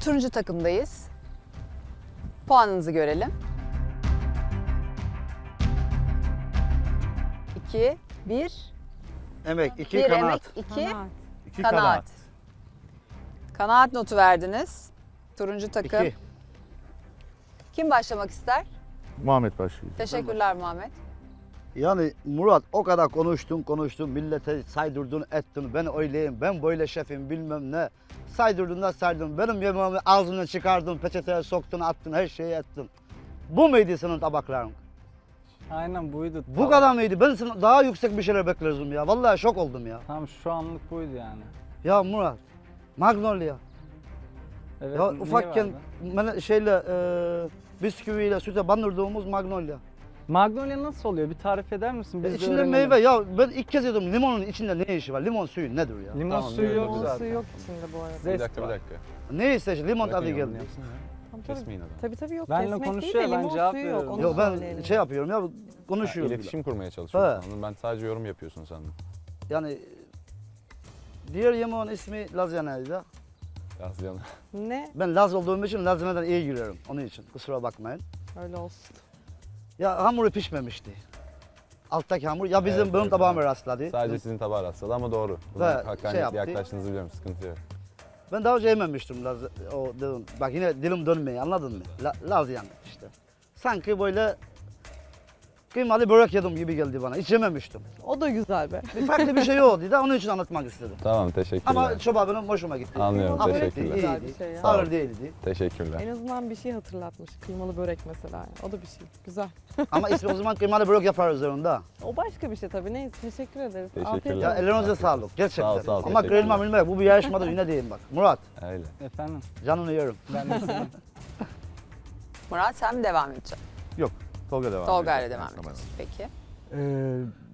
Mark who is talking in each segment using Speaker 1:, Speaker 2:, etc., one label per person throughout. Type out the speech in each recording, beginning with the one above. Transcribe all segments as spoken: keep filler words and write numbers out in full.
Speaker 1: turuncu takımdayız. Puanınızı görelim. iki, bir,
Speaker 2: Emek, iki
Speaker 1: bir
Speaker 2: kanaat.
Speaker 1: emek, iki
Speaker 3: Kanaat.
Speaker 4: İki
Speaker 1: kanaat.
Speaker 4: kanaat.
Speaker 1: Kanaat notu verdiniz. Turuncu takım.
Speaker 2: İki.
Speaker 1: Kim başlamak ister?
Speaker 4: Muhammed başlıyor.
Speaker 1: Teşekkürler Muhammed.
Speaker 2: Yani Murat o kadar konuştun konuştun millete saydırdın ettin ben öyleyim ben böyle şefim bilmem ne. Saydırdın da saydırdın benim yemeğimi ağzından çıkardın peçeteye soktun attın her şeyi ettin. Bu muydu senin tabakların?
Speaker 5: Aynen buydu.
Speaker 2: Bu
Speaker 5: Tamam.
Speaker 2: kadar mıydı? Ben sana daha yüksek bir şeyler beklerdim ya. Vallahi şok oldum ya.
Speaker 5: Tamam şu anlık buydu yani.
Speaker 2: Ya Murat, Magnolia.
Speaker 5: Evet,
Speaker 2: Ya
Speaker 5: neyi
Speaker 2: ufakken
Speaker 5: vardı?
Speaker 2: ben şeyle e, bisküviyle süte bandırdığımız Magnolia.
Speaker 5: Magnolia nasıl oluyor? Bir tarif eder misin? Biz
Speaker 2: E,
Speaker 5: de
Speaker 2: içinde
Speaker 5: öğrenelim.
Speaker 2: meyve ya ben ilk kez yedim limonun içinde ne işi var? Limon suyu nedir ya?
Speaker 5: Limon
Speaker 3: Tamam,
Speaker 5: suyu yok
Speaker 3: limon
Speaker 5: zaten.
Speaker 3: suyu yok içinde bu arada.
Speaker 5: Zest
Speaker 6: Bir dakika bir
Speaker 5: var.
Speaker 6: dakika.
Speaker 2: Ne işte limon tadı
Speaker 6: Bırakın
Speaker 2: geldi.
Speaker 6: yorumunu yapsın ya.
Speaker 3: Tamam, tabii,
Speaker 6: Kesmeyin adamı.
Speaker 3: tabii tabii yok.
Speaker 5: Benle
Speaker 3: Kesmek değil
Speaker 5: konuşuyor,
Speaker 3: de
Speaker 5: ben
Speaker 3: limon
Speaker 5: cevap
Speaker 3: suyu yok.
Speaker 5: veriyorum.
Speaker 3: Onu
Speaker 2: Yok ben
Speaker 3: söyleyelim.
Speaker 2: şey yapıyorum ya
Speaker 6: Ha,
Speaker 2: konuşuyorum.
Speaker 6: İletişim kurmaya çalışıyorsun
Speaker 2: Evet.
Speaker 6: sandım. Ben sadece yorum yapıyorsun sandım.
Speaker 2: Yani diğer yemeğin ismi lazyanaydı.
Speaker 6: Yaz yana.
Speaker 3: Ne?
Speaker 2: Ben Laz olduğum için lazyaneden iyi girerim onun için kusura bakmayın.
Speaker 3: Öyle olsun.
Speaker 2: Ya hamuru pişmemişti. Alttaki hamur ya bizim
Speaker 6: Evet,
Speaker 2: benim
Speaker 6: evet,
Speaker 2: tabağıma
Speaker 6: evet.
Speaker 2: rastladı.
Speaker 6: Sadece sizin tabağa rastladı ama doğru.
Speaker 2: Ve
Speaker 6: Buna
Speaker 2: şey
Speaker 6: hakkaniyetli
Speaker 2: yaptı.
Speaker 6: yaklaştığınızı biliyorum. Sıkıntı yok.
Speaker 2: Ben daha önce yememiştim Laz, o dedim. Bak yine dilim dönmeyi anladın mı? La, Lazyan işte. Sanki böyle kıymalı börek yedim gibi geldi bana. Hiç yememiştim.
Speaker 3: O da güzel be.
Speaker 2: Bir farklı bir şey oldu da onun için anlatmak istedim.
Speaker 6: Tamam teşekkürler.
Speaker 2: Ama çoba benim hoşuma gitti.
Speaker 6: Anlıyorum,
Speaker 2: Hafifti,
Speaker 6: teşekkürler.
Speaker 3: Güzel bir
Speaker 2: iyiydi.
Speaker 3: şey ya.
Speaker 6: Sağ ol.
Speaker 2: Ağır değildi.
Speaker 6: Teşekkürler.
Speaker 3: En azından bir şey hatırlatmış. Kıymalı börek mesela. O da bir şey. Güzel.
Speaker 2: Ama ismi o zaman kıymalı börek yaparız onda.
Speaker 3: O başka bir şey tabii. Neyse teşekkür ederiz.
Speaker 6: Teşekkürler.
Speaker 3: Afiyet
Speaker 2: Ya
Speaker 3: olsun.
Speaker 2: ellerinize sağlık gerçekten.
Speaker 6: Sağ ol, sağ ol,
Speaker 2: Ama
Speaker 6: teşekkürler.
Speaker 2: kırılma bilmek bu bir yarışmada yine diyeyim bak. Murat
Speaker 6: Öyle.
Speaker 5: Efendim
Speaker 2: canını yerim.
Speaker 5: ben de sizin.
Speaker 1: Murat sen mi devam edeceksin?
Speaker 4: Tolga devam
Speaker 1: Tolga ile
Speaker 4: edecek.
Speaker 1: devam
Speaker 4: Tamam.
Speaker 1: edeceksin. Peki.
Speaker 7: Ee,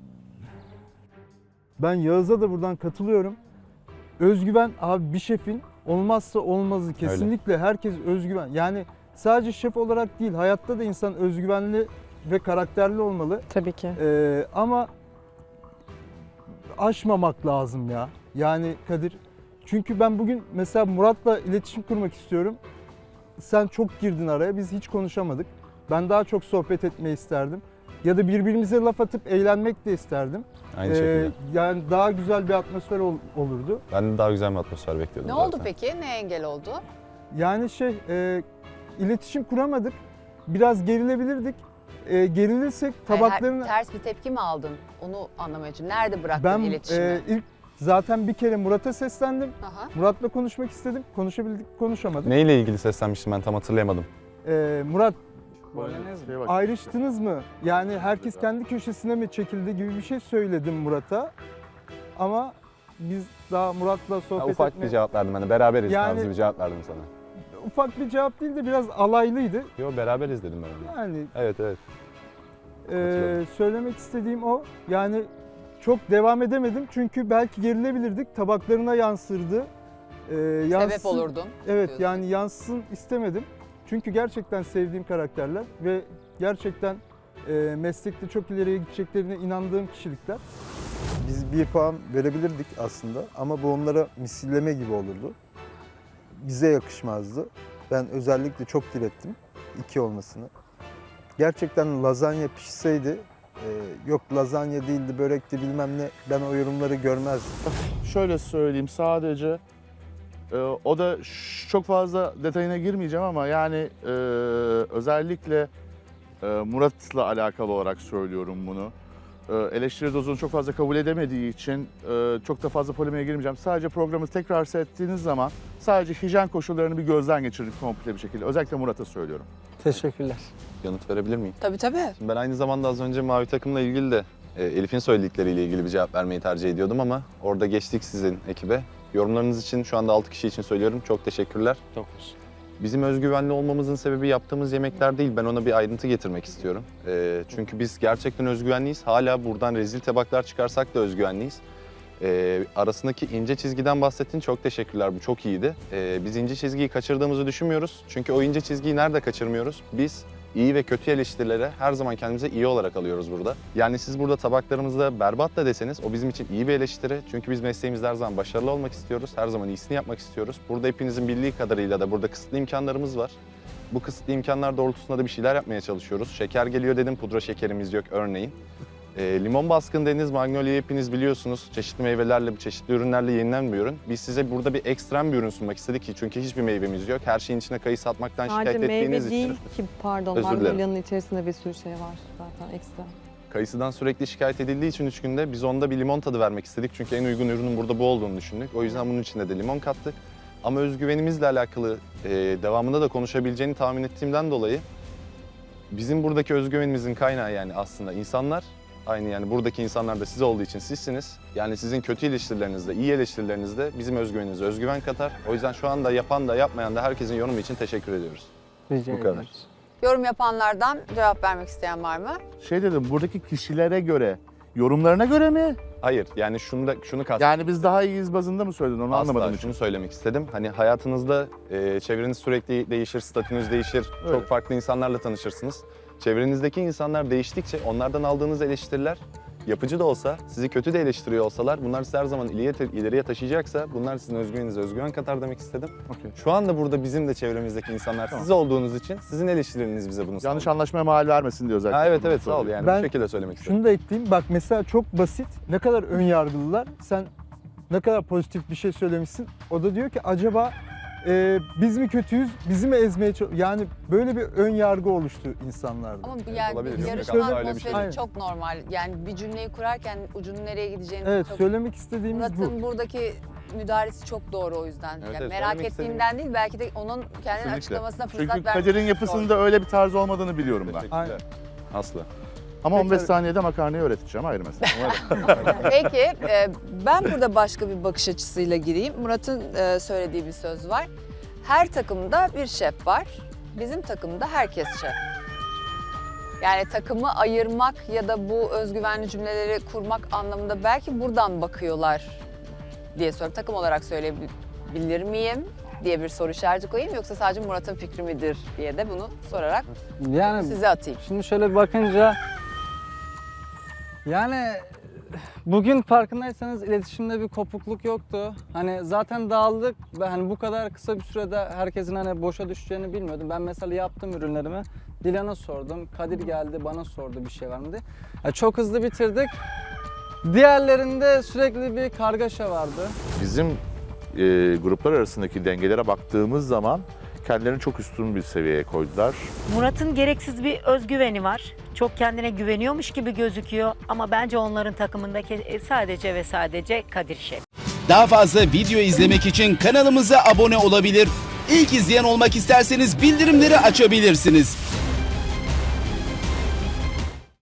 Speaker 7: ben Yağız'a da buradan katılıyorum. Özgüven abi bir şefin olmazsa olmazı kesinlikle herkes özgüven. Yani sadece şef olarak değil hayatta da insan özgüvenli ve karakterli olmalı.
Speaker 3: Tabii ki.
Speaker 7: Ee, ama aşmamak lazım ya. Yani Kadir çünkü ben bugün mesela Murat'la iletişim kurmak istiyorum. Sen çok girdin araya biz hiç konuşamadık. Ben daha çok sohbet etmeyi isterdim. Ya da birbirimize laf atıp eğlenmek de isterdim.
Speaker 6: Aynı
Speaker 7: Ee,
Speaker 6: şekilde.
Speaker 7: yani daha güzel bir atmosfer ol- olurdu.
Speaker 6: Ben de daha güzel bir atmosfer bekliyordum
Speaker 1: Ne
Speaker 6: zaten.
Speaker 1: oldu peki? Ne engel oldu?
Speaker 7: Yani şey, e, iletişim kuramadık. Biraz gerilebilirdik. E, gerilirsek
Speaker 1: Hayır,
Speaker 7: tabaklarını...
Speaker 1: her- ters bir tepki mi aldın? Onu anlamaya için. Nerede bıraktın
Speaker 7: Ben
Speaker 1: iletişimi?
Speaker 7: e, ilk zaten bir kere Murat'a seslendim.
Speaker 1: Aha.
Speaker 7: Murat'la konuşmak istedim. Konuşabildik, konuşamadık.
Speaker 6: Neyle ilgili seslenmiştim ben tam hatırlayamadım.
Speaker 7: E, Murat
Speaker 5: Bolognese
Speaker 4: Şeye
Speaker 5: mi?
Speaker 4: bak.
Speaker 7: ayrıştınız mı? Yani herkes kendi köşesine mi çekildi gibi bir şey söyledim Murat'a. Ama biz daha Murat'la
Speaker 6: Ha,
Speaker 7: sohbet
Speaker 6: ufak
Speaker 7: etmeye...
Speaker 6: bir cevap verdim hani beraberiz
Speaker 7: Yani-
Speaker 6: tarzı bir cevap verdim sana.
Speaker 7: Ufak bir cevap değil de biraz alaylıydı.
Speaker 6: Yo beraberiz dedim ben ona.
Speaker 7: Yani
Speaker 6: Evet evet.
Speaker 7: Ee,
Speaker 6: Katılıyorum.
Speaker 7: söylemek istediğim o. Yani çok devam edemedim çünkü belki gerilebilirdik. Tabaklarına yansırdı. Ee, yansın-
Speaker 1: Sebep olurdun.
Speaker 7: Evet
Speaker 1: diyorsun.
Speaker 7: yani yansın istemedim. Çünkü gerçekten sevdiğim karakterler ve gerçekten e, meslekte çok ileriye gideceklerine inandığım kişilikler.
Speaker 8: Biz bir puan verebilirdik aslında ama bu onlara misilleme gibi olurdu. Bize yakışmazdı. Ben özellikle çok direttim iki olmasını. Gerçekten lazanya pişseydi, e, yok lazanya değildi, börekti bilmem ne, ben o yorumları görmezdim.
Speaker 4: Şöyle söyleyeyim sadece e, o da ş- çok fazla detayına girmeyeceğim ama yani e, özellikle e, Murat'la alakalı olarak söylüyorum bunu. E, eleştiri dozunu çok fazla kabul edemediği için e, çok da fazla polemiğe girmeyeceğim. Sadece programı tekrar seyrettiğiniz zaman sadece hijyen koşullarını bir gözden geçirin komple bir şekilde. Özellikle Murat'a söylüyorum.
Speaker 5: Teşekkürler.
Speaker 6: Yanıt verebilir miyim?
Speaker 1: Tabii tabii.
Speaker 6: Şimdi ben aynı zamanda az önce mavi takımla ilgili de e, Elif'in söyledikleriyle ilgili bir cevap vermeyi tercih ediyordum ama orada geçtik sizin ekibe. Yorumlarınız için şu anda altı kişi için söylüyorum. Çok teşekkürler.
Speaker 5: dokuz.
Speaker 6: Bizim özgüvenli olmamızın sebebi yaptığımız yemekler değil. Ben ona bir ayrıntı getirmek istiyorum. E, çünkü biz gerçekten özgüvenliyiz. Hala buradan rezil tabaklar çıkarsak da özgüvenliyiz. E, arasındaki ince çizgiden bahsettin. Çok teşekkürler. Bu çok iyiydi. E, biz ince çizgiyi kaçırdığımızı düşünmüyoruz. Çünkü o ince çizgiyi nerede kaçırmıyoruz? Biz iyi ve kötü eleştirilere her zaman kendimize iyi olarak alıyoruz burada. Yani siz burada tabaklarımızda berbat da deseniz o bizim için iyi bir eleştiri. Çünkü biz mesleğimizde her zaman başarılı olmak istiyoruz. Her zaman iyisini yapmak istiyoruz. Burada hepinizin bildiği kadarıyla da burada kısıtlı imkanlarımız var. Bu kısıtlı imkanlar doğrultusunda da bir şeyler yapmaya çalışıyoruz. Şeker geliyor dedim, pudra şekerimiz yok örneğin. E, limon baskın dediniz, Magnolia'yı hepiniz biliyorsunuz. Çeşitli meyvelerle, çeşitli ürünlerle yenilen bir ürün. Biz size burada bir ekstrem bir ürün sunmak istedik ki çünkü hiçbir meyvemiz yok. Her şeyin içine kayısı atmaktan
Speaker 3: Sadece
Speaker 6: şikayet ettiğiniz
Speaker 3: meyve
Speaker 6: için.
Speaker 3: değil ki pardon
Speaker 6: Özür dilerim.
Speaker 3: Magnolia'nın içerisinde bir sürü şey var zaten ekstra.
Speaker 6: Kayısıdan sürekli şikayet edildiği için üç günde biz onda bir limon tadı vermek istedik. Çünkü en uygun ürünün burada bu olduğunu düşündük. O yüzden bunun içinde de limon kattık. Ama özgüvenimizle alakalı e, devamında da konuşabileceğini tahmin ettiğimden dolayı bizim buradaki özgüvenimizin kaynağı yani aslında insanlar. Aynı yani buradaki insanlar da siz olduğu için sizsiniz. Yani sizin kötü eleştirilerinizde, iyi eleştirilerinizde bizim özgüveninize özgüven katar. O yüzden şu anda yapan da yapmayan da herkesin yorumu için teşekkür ediyoruz.
Speaker 5: Rica
Speaker 6: Bu kadar.
Speaker 5: ediyoruz.
Speaker 1: Yorum yapanlardan cevap vermek isteyen var mı?
Speaker 4: Şey dedim, buradaki kişilere göre, yorumlarına göre mi?
Speaker 6: Hayır yani şunu da şunu kastettim.
Speaker 4: Yani biz daha iyiyiz bazında mı söyledin onu anlamadım
Speaker 6: Asla
Speaker 4: hiç.
Speaker 6: şunu söylemek istedim. Hani hayatınızda e, çevreniz sürekli değişir, statünüz değişir.
Speaker 4: Evet.
Speaker 6: Çok farklı insanlarla tanışırsınız. Çevrenizdeki insanlar değiştikçe onlardan aldığınız eleştiriler yapıcı da olsa, sizi kötü de eleştiriyor olsalar bunlar sizi her zaman ileriye, ileriye taşıyacaksa bunlar sizin özgüveninize özgüven katar demek istedim.
Speaker 4: Okey.
Speaker 6: Şu anda burada bizim de çevremizdeki insanlar
Speaker 4: Tamam.
Speaker 6: siz olduğunuz için sizin eleştirileriniz bize bunu
Speaker 4: Yanlış
Speaker 6: sağlıyor.
Speaker 4: anlaşmaya mal vermesin diye özellikle.
Speaker 6: Ha, evet
Speaker 4: bunu
Speaker 6: evet sağ ol
Speaker 4: söylüyorum.
Speaker 6: yani
Speaker 7: Ben
Speaker 6: bu şekilde söylemek istedim.
Speaker 7: Şunu da ekleyeyim. Bak mesela çok basit. Ne kadar ön yargılılar. Sen ne kadar pozitif bir şey söylemişsin. O da diyor ki acaba e, biz mi kötüyüz, bizi mi ezmeye çalışıyoruz? Yani böyle bir ön yargı oluştu insanlarda.
Speaker 1: Ama
Speaker 6: Evet,
Speaker 1: yani
Speaker 6: olabilir.
Speaker 1: bir
Speaker 6: Yok,
Speaker 1: yarışma
Speaker 7: yok,
Speaker 6: öyle bir
Speaker 1: atmosferi
Speaker 6: şey
Speaker 7: değil.
Speaker 1: çok normal. Yani bir cümleyi kurarken ucunun nereye gideceğini
Speaker 7: Evet,
Speaker 1: çok...
Speaker 7: söylemek istediğimiz bu.
Speaker 1: Murat'ın buradaki müdahalesi çok doğru o yüzden.
Speaker 6: Evet,
Speaker 1: yani
Speaker 6: evet,
Speaker 1: merak
Speaker 6: söylemek
Speaker 1: ettiğimden değil belki de onun kendinin
Speaker 6: Kesinlikle.
Speaker 1: açıklamasına fırsat
Speaker 4: Çünkü
Speaker 1: vermek
Speaker 4: Kadir'in
Speaker 1: zor.
Speaker 4: yapısında öyle bir tarz olmadığını biliyorum ben.
Speaker 7: Aynen.
Speaker 6: Teşekkürler. Aslı.
Speaker 4: Ama on beş
Speaker 7: Peki.
Speaker 4: saniyede makarnayı öğreteceğim ayrı mesele.
Speaker 1: Peki e, ben burada başka bir bakış açısıyla gireyim. Murat'ın e, söylediği bir söz var. Her takımda bir şef var. Bizim takımda herkes şef. Yani takımı ayırmak ya da bu özgüvenli cümleleri kurmak anlamında belki buradan bakıyorlar diye soruyorum. Takım olarak söyleyebilir miyim diye bir soru işareti koyayım yoksa sadece Murat'ın fikri midir diye de bunu sorarak
Speaker 5: Yani
Speaker 1: size atayım.
Speaker 5: şimdi şöyle bir bakınca yani bugün farkındaysanız iletişimde bir kopukluk yoktu. Hani zaten dağıldık ve hani bu kadar kısa bir sürede herkesin hani boşa düşeceğini bilmiyordum. Ben mesela yaptım ürünlerimi. Dilan'a sordum. Kadir geldi bana sordu bir şey var mı diye. Ya çok hızlı bitirdik. Diğerlerinde sürekli bir kargaşa vardı.
Speaker 4: Bizim e, gruplar arasındaki dengelere baktığımız zaman kendilerini çok üstün bir seviyeye koydular.
Speaker 9: Murat'ın gereksiz bir özgüveni var. Çok kendine güveniyormuş gibi gözüküyor ama bence onların takımındaki sadece ve sadece Kadir Şef.
Speaker 10: Daha fazla video izlemek için kanalımıza abone olabilir. İlk izleyen olmak isterseniz bildirimleri açabilirsiniz.